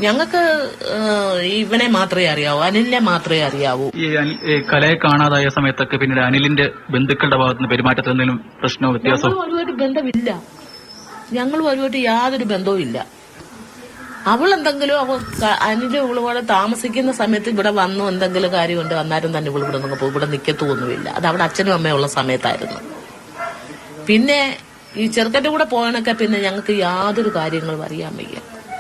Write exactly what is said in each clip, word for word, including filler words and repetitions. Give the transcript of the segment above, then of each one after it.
ഞങ്ങൾക്ക് ഇവനെ മാത്രമേ അറിയാവൂ, അനിലിനെ മാത്രമേ അറിയാവൂ. ഈ കലയെ കാണാതായ സമയത്തൊക്കെ പിന്നീട് അനിലിന്റെ ബന്ധുക്കളുടെ ഭാഗത്തുനിന്ന് പെരുമാറ്റത്തിൽ എന്തെങ്കിലും പ്രശ്നമോ വ്യത്യാസമോ? ഒരുപാട് ബന്ധമില്ല, ഞങ്ങൾ ഒരുപാട് യാതൊരു ബന്ധവും ഇല്ല. അവൾ എന്തെങ്കിലും അവ അനിലും ഇവളുപോലെ താമസിക്കുന്ന സമയത്ത് ഇവിടെ വന്നു എന്തെങ്കിലും കാര്യം കൊണ്ട് വന്നാലും തന്നെ ഇവൾ ഇവിടെ നിന്ന് ഇവിടെ നിൽക്കത്തൊന്നുമില്ല. അത് അവിടെ അച്ഛനും അമ്മയും ഉള്ള സമയത്തായിരുന്നു. പിന്നെ ഈ ചെറുക്കന്റെ കൂടെ പോകാനൊക്കെ പിന്നെ ഞങ്ങൾക്ക് യാതൊരു കാര്യങ്ങളും അറിയാൻ വയ്യ.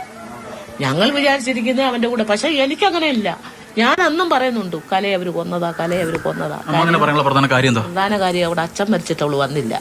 ഞങ്ങൾ വിചാരിച്ചിരിക്കുന്നത് അവന്റെ കൂടെ, പക്ഷെ എനിക്കങ്ങനെയില്ല. ഞാൻ അന്നും പറയുന്നുണ്ട് കലയെ അവര് കൊന്നതാ, കലയെ അവര് കൊന്നതാ. പ്രധാന കാര്യം പ്രധാന കാര്യം അവിടെ അച്ഛൻ മരിച്ചിട്ട് അവള് വന്നില്ല.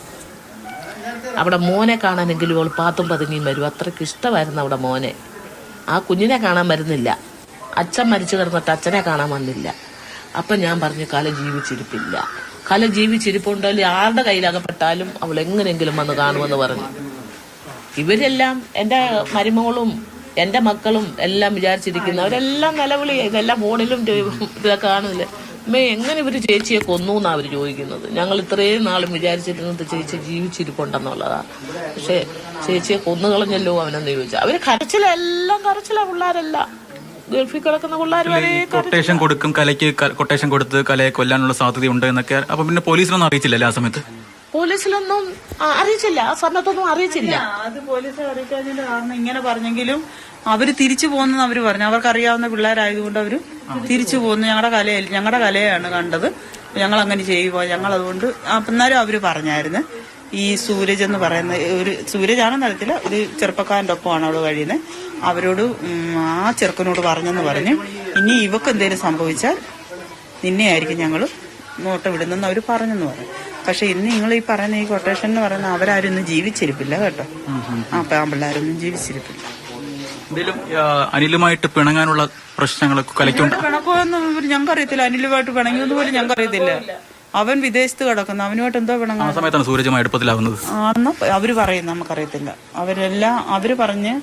അവിടെ മോനെ കാണാനെങ്കിലും അവൾ പാത്തും പതുങ്ങിയും വരും. അത്രയ്ക്ക് ഇഷ്ടമായിരുന്നു അവിടെ മോനെ. ആ കുഞ്ഞിനെ കാണാൻ വരുന്നില്ല. അച്ഛൻ മരിച്ചു കിടന്നിട്ട് അച്ഛനെ കാണാൻ വന്നില്ല. അപ്പൊ ഞാൻ പറഞ്ഞു കല ജീവിച്ചിരിപ്പില്ല, കല ജീവിച്ചിരിപ്പുണ്ടെങ്കിൽ ആരുടെ കയ്യിലകപ്പെട്ടാലും അവൾ എങ്ങനെയെങ്കിലും വന്ന് കാണുമെന്ന് പറഞ്ഞു. ഇവരെല്ലാം എന്റെ മരുമകളും എന്റെ മക്കളും എല്ലാം വിചാരിച്ചിരിക്കുന്നു. അവരെല്ലാം നിലവിളി, ഇതെല്ലാം ഫോണിലും ഇതൊക്കെ കാണില്ലേ, അമ്മേ എങ്ങനെ ഇവര് ചേച്ചിയെ കൊന്നു എന്നാ അവര് ചോദിക്കുന്നത്. ഞങ്ങൾ ഇത്രയും നാളും വിചാരിച്ചിരുന്നത് ചേച്ചി ജീവിച്ചിരിപ്പുണ്ടെന്നുള്ളതാ. പക്ഷെ ചേച്ചിയെ കൊന്നു കളഞ്ഞല്ലോ അവനെന്ന് ചോദിച്ചാൽ അവര് കരച്ചിലെല്ലാം കരച്ചില. പിള്ളേരല്ല ഗൾഫിൽ കിടക്കുന്ന പിള്ളേർ വരെ കൊട്ടേഷൻ കൊടുക്കും, കലയ്ക്ക് കൊട്ടേഷൻ കൊടുത്ത് കലയെ കൊല്ലാനുള്ള സാധ്യതയുണ്ട് എന്നൊക്കെ. അപ്പൊ പിന്നെ പോലീസിനൊന്നും അറിയിച്ചില്ലല്ലേ ആ സമയത്ത്? പോലീസിലൊന്നും അറിയിച്ചില്ല, ആ സമയത്തൊന്നും അറിയിച്ചില്ല. അത് പോലീസ് അറിയിക്കാതിന്റെ കാരണം ഇങ്ങനെ പറഞ്ഞെങ്കിലും അവര് തിരിച്ചു പോകുന്നെന്ന് അവര് പറഞ്ഞു. അവർക്ക് അറിയാവുന്ന പിള്ളേരായതുകൊണ്ട് അവര് തിരിച്ചു പോകുന്നു. ഞങ്ങളുടെ കലയിൽ ഞങ്ങളുടെ കലയാണ് കണ്ടത്, ഞങ്ങൾ അങ്ങനെ ചെയ്യുമോ, ഞങ്ങൾ അതുകൊണ്ട് അന്നേരം അവര് പറഞ്ഞായിരുന്നു. ഈ സൂരജ് എന്ന് പറയുന്ന ഒരു സൂരജാണെന്ന് അറിയത്തില്ല, ഒരു ചെറുപ്പക്കാരന്റെ ഒപ്പമാണ് അവള് കഴിയുന്നത്. അവരോട് ആ ചെറുക്കനോട് പറഞ്ഞെന്ന് പറഞ്ഞു, ഇനി ഇവക്ക് എന്തെങ്കിലും സംഭവിച്ചാൽ നിന്നെയായിരിക്കും ഞങ്ങൾ നോട്ട വിടുന്നെന്ന് അവര് പറഞ്ഞെന്ന് പറഞ്ഞു. പക്ഷെ ഇന്ന് നിങ്ങൾ ഈ പറയുന്ന ഈ കൊട്ടേഷൻ എന്ന് പറയുന്ന അവരാരും ഇന്ന് ജീവിച്ചിരിപ്പില്ല കേട്ടോ. ആ പിള്ളേരൊന്നും ജീവിച്ചിരിപ്പില്ല. എന്തെങ്കിലും അനിലുമായിട്ട് പിണങ്ങാനുള്ള പ്രശ്നങ്ങളൊക്കെ കലയ്ക്കുണ്ട്? പിണക്കമൊന്നും ഞങ്ങൾക്ക് അറിയത്തില്ല. അനിലുമായിട്ട് പിണങ്ങിയൊന്നും പോലും ഞങ്ങൾക്ക് അറിയത്തില്ല. അവൻ വിദേശത്ത് കിടക്കുന്നു, അവനുമായിട്ട് എന്തോ പിണങ്ങാൻ. ആ സമയത്താണ് സൂരജുമായി അടുപ്പത്തിലാവുന്നത് ആണെന്ന് അവര് പറയുന്നു, നമുക്കറിയത്തില്ല. അവരെല്ലാം അവര് പറഞ്ഞ്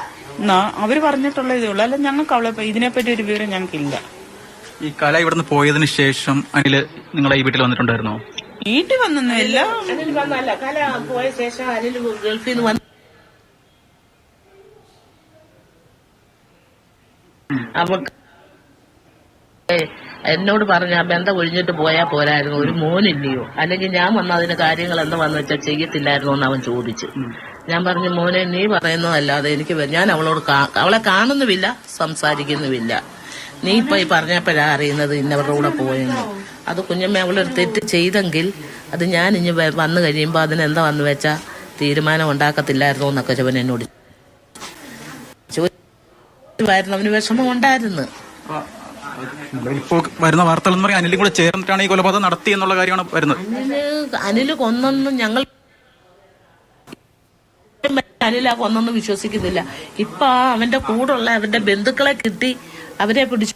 അവര് പറഞ്ഞിട്ടുള്ള ഇതേ ഉള്ളു. അല്ല ഞങ്ങൾക്ക് അവളെ ഇതിനെപ്പറ്റി ഒരു വിവരം ഞങ്ങൾക്കില്ല. ഈ കല ഇവിടുന്ന് പോയതിനു ശേഷം അനില് നിങ്ങളെ ഈ വീട്ടിൽ വന്നിട്ടുണ്ടായിരുന്നോ? വീട്ടിൽ വന്നൊന്നുമില്ല. അനിൽ വന്നല്ല, കല പോയ ശേഷം അനിൽ ഗൾഫിൽ നിന്ന് വന്നു. അവർക്ക് എന്നോട് പറഞ്ഞ ബന്ധം ഒഴിഞ്ഞിട്ട് പോയാൽ പോരായിരുന്നു, ഒരു മോനില്ലയോ, അല്ലെങ്കിൽ ഞാൻ വന്ന അതിന് കാര്യങ്ങൾ എന്താ വന്നു വെച്ചാൽ ചെയ്യത്തില്ലായിരുന്നു എന്ന് അവൻ ചോദിച്ചു. ഞാൻ പറഞ്ഞു മോനെ നീ പറയുന്നതല്ലാതെ എനിക്ക് ഞാൻ അവളോട് അവളെ കാണുന്നുമില്ല, സംസാരിക്കുന്നുമില്ല. നീ ഇപ്പൊ ഈ പറഞ്ഞപ്പോഴാ അറിയുന്നത് ഇന്നവരുടെ കൂടെ പോയെന്ന്. അത് കുഞ്ഞമ്മ അവളൊരു തെറ്റ് ചെയ്തെങ്കിൽ അത് ഞാൻ ഇനി വന്നു കഴിയുമ്പോൾ അതിനെന്താ വന്നു വെച്ചാ തീരുമാനം ഉണ്ടാക്കത്തില്ലായിരുന്നു എന്നൊക്കെ ചവൻ എന്നോട് ചോദിച്ചു. അവന് വിഷമം ഉണ്ടായിരുന്നു. ഇപ്പോ വരുന്ന വാർത്തകൾ എന്ന് പറയാൻ അനിലും കൂടെ ചേർന്നിട്ടാണ് ഈ കൊലപാതകം നടത്തി എന്നുള്ള കാര്യമാണ് വരുന്നത്. അനില് അനില് കൊന്നൊന്നും ഞങ്ങൾ അനില കൊന്നൊന്നും വിശ്വസിക്കുന്നില്ല. ഇപ്പൊ അവന്റെ കൂടുള്ള അവന്റെ ബന്ധുക്കളെ കിട്ടി അവരെ പിടിച്ചു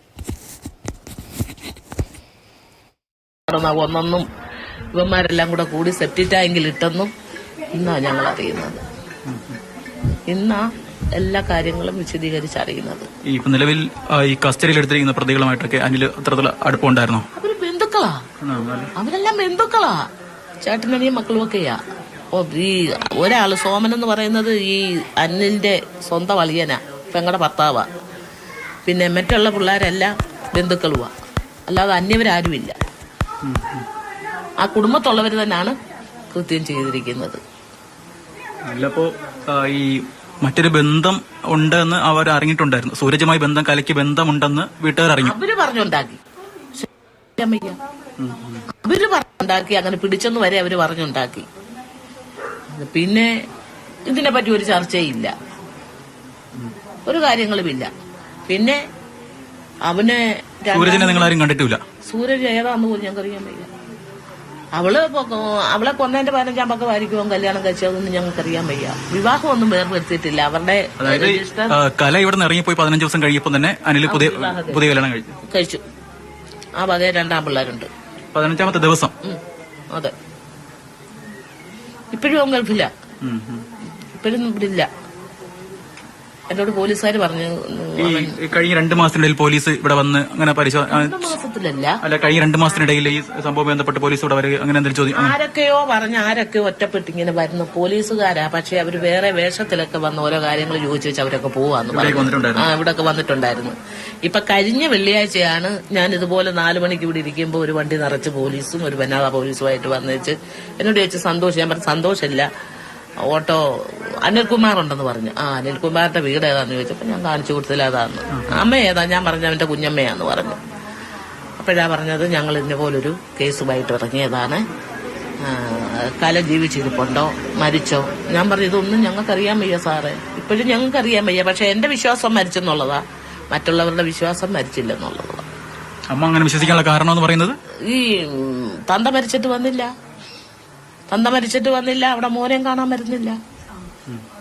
കൊന്നൊന്നും ഇവന്മാരെല്ലാം കൂടെ കൂടി സെപ്റ്റി ടാങ്കിൽ ഇട്ടെന്നും ഇന്നാ ഞങ്ങൾ അറിയുന്നത്. ഇന്നാ എല്ലാ കാര്യങ്ങളും വിശദീകരിച്ചറിയുന്നത്. ഈ നിലവിൽ ഈ കസ്റ്റഡിയിൽ എടുത്തിരിക്കുന്ന പ്രതികളുമായിട്ടൊക്കെ അനിൽ അത്രത്തിൽ അടുപ്പമുണ്ടായിരുന്നോ? അവര് ബന്ധുക്കളാ, അവരെല്ലാം ബന്ധുക്കളാ, ചേട്ടനടിയും മക്കളും ഒക്കെയാ. ഓ ഈ ഒരാള് സോമൻ എന്ന് പറയുന്നത് ഈ അനിലിന്റെ സ്വന്തം അളിയനാ, പെങ്ങളുടെ ഭർത്താവാ. പിന്നെ മറ്റുള്ള പിള്ളേരെല്ലാം ബന്ധുക്കളുവാ, അല്ലാതെ അന്യവരാരുമില്ല. ആ കുടുംബത്തുള്ളവർ തന്നെയാണ് കൃത്യം ചെയ്തിരിക്കുന്നത്. അല്ലപ്പോ ഈ മറ്റൊരു ബന്ധം ഉണ്ടെന്ന് അവർ അറിഞ്ഞിട്ടുണ്ടായിരുന്നു. സൂരജുമായി ബന്ധം കലയ്ക്ക് ബന്ധമുണ്ടെന്ന് വീട്ടുകാർ അറിഞ്ഞു. അവര് പറഞ്ഞുണ്ടാക്കി അവര് പറഞ്ഞുണ്ടാക്കി അങ്ങനെ പിടിച്ചെന്ന് വരെ അവര് പറഞ്ഞുണ്ടാക്കി. പിന്നെ ഇതിനെപ്പറ്റി ഒരു ചർച്ചയില്ല, ഒരു കാര്യങ്ങളുമില്ല. പിന്നെ അവനെ സൂരജിനെ നിങ്ങൾ ആരും കണ്ടിട്ടില്ല. സൂരജ് ഏതാന്ന് പോലും ഞങ്ങൾക്ക് അറിയാൻ വയ്യ. അവള് അവളെ കൊന്നതിന്റെ പതിനഞ്ചാം പക്കമായിരിക്കും കല്യാണം കഴിച്ചതൊന്നും ഞങ്ങൾക്ക് അറിയാൻ വയ്യ. വിവാഹമൊന്നും വേർപെടുത്തിയിട്ടില്ല. അവരുടെ കല ഇവിടെ നിന്ന് ഇറങ്ങിപ്പോയി പതിനഞ്ച് ദിവസം കഴിയപ്പോൾ തന്നെ അനിൽ പുതിയ പുതിയ കല്യാണം കഴിച്ചു കഴിച്ചു ആ വകയെ രണ്ടാം പിള്ളേരുണ്ട്. പതിനഞ്ചാമത്തെ ദിവസം. അതെ. ഇപ്പോഴും അവൻ ഗൾഫില്ല, ഇപ്പോഴും ഇവിടെ ഇല്ല. എന്നോട് പോലീസുകാർ പറഞ്ഞു ഈ ഈ കഴിഞ്ഞ രണ്ട് മാസത്തിനിടയിൽ പോലീസ് ഇവിടെ വന്ന് അങ്ങനെ പരിശോധന രണ്ട് മാസത്തിലല്ല, അല്ല കഴിഞ്ഞ രണ്ട് മാസത്തിനിടയിൽ ഈ സംഭവം ബന്ധപ്പെട്ട് പോലീസ് ഇവിടെ വരിക അങ്ങനെ എന്തെങ്കിലും ചോദ്യം ആ. ആരൊക്കെയോ പറഞ്ഞ് ആരൊക്കെയോ ഒറ്റപ്പെട്ട് ഇങ്ങനെ വരുന്ന പോലീസുകാരാ. പക്ഷെ അവര് വേറെ വേഷത്തിലൊക്കെ വന്ന് ഓരോ കാര്യങ്ങൾ ചോദിച്ചു വെച്ച് അവരൊക്കെ പോവാന്ന് പറഞ്ഞു. വന്നിട്ടുണ്ടായിരുന്നു. ആ ഇവിടൊക്കെ വന്നിട്ടുണ്ടായിരുന്നു. ഇപ്പൊ കഴിഞ്ഞ വെള്ളിയാഴ്ചയാണ് ഞാൻ ഇതുപോലെ നാലു മണിക്ക് ഇവിടെ ഇരിക്കുമ്പോൾ ഒരു വണ്ടി നിറച്ച് പോലീസും ഒരു വനിതാ പോലീസുമായിട്ട് വന്നേച്ച് എന്നോട് ചോദിച്ചു സന്തോഷം. ഞാൻ പറഞ്ഞു സന്തോഷമില്ല, ഓട്ടോ അനിൽകുമാർ ഉണ്ടെന്ന് പറഞ്ഞു. ആ അനിൽകുമാറിന്റെ വീട് ഏതാന്ന് ചോദിച്ചപ്പോ ഞാൻ കാണിച്ചു കൊടുത്തില്ല അതാന്ന്. അമ്മ ഏതാ? ഞാൻ പറഞ്ഞു അവന്റെ കുഞ്ഞമ്മയാന്ന് പറഞ്ഞു. അപ്പോഴാ പറഞ്ഞത് ഞങ്ങൾ ഇന്ന പോലൊരു കേസുമായിട്ട് ഇറങ്ങിയതാണ്, കല ജീവിച്ചിരിപ്പുണ്ടോ മരിച്ചോ? ഞാൻ പറഞ്ഞു ഇതൊന്നും ഞങ്ങൾക്കറിയാൻ വയ്യ സാറേ, ഇപ്പോഴും ഞങ്ങൾക്കറിയാൻ വയ്യ. പക്ഷെ എന്റെ വിശ്വാസം മരിച്ചെന്നുള്ളതാ, മറ്റുള്ളവരുടെ വിശ്വാസം മരിച്ചില്ലെന്നുള്ളതാ. അമ്മ അങ്ങനെ വിശ്വസിക്കാനുള്ള കാരണം എന്ന് പറയുന്നത് ഈ തന്ത മരിച്ചിട്ട് വന്നില്ല, തന്ത മരിച്ചിട്ട് വന്നില്ല, അവിടെ മോനെയും കാണാൻ വരുന്നില്ല.